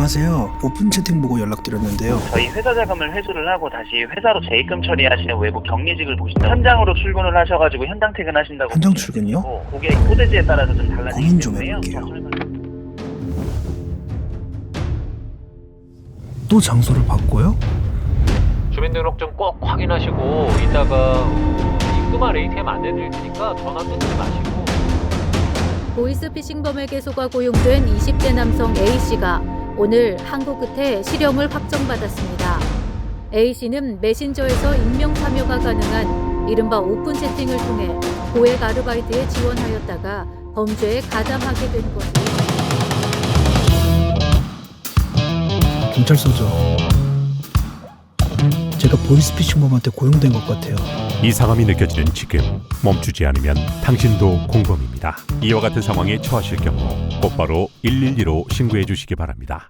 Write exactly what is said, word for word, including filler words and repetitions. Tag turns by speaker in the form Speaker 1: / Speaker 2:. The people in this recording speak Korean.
Speaker 1: 안녕하세요. 오픈 채팅 보고 연락드렸는데요.
Speaker 2: 저희 회사 자금을 회수를 하고 다시 회사로 재입금 처리하시는 외부 격리직을 보신다. 현장으로 출근을 하셔가지고 현장 퇴근하신다고.
Speaker 1: 현장 출근이요?
Speaker 2: 그게 소재지에 따라서 좀 달라지기
Speaker 1: 고민 좀
Speaker 2: 때문에요.
Speaker 1: 해볼게요.
Speaker 2: 더 설명-
Speaker 1: 또 장소를 바꿔요?
Speaker 3: 주민등록증 꼭 확인하시고 이따가 입금할 에이티엠 안내 드릴 테니까 전화 끊지 마시고.
Speaker 4: 보이스피싱범에게 속아 고용된 이십 대 남성 A씨가 오늘 한국 끝에 실형을 확정받았습니다. A씨는 메신저에서 익명 참여가 가능한 이른바 오픈 채팅을 통해 고액 아르바이트에 지원하였다가 범죄에 가담하게 된 것입니다.
Speaker 1: 경찰서죠. 제가 보이스피싱범한테 고용된 것 같아요.
Speaker 5: 이상함이 느껴지는 지금 멈추지 않으면 당신도 공범입니다. 이와 같은 상황에 처하실 경우 곧바로 일일이로 신고해 주시기 바랍니다.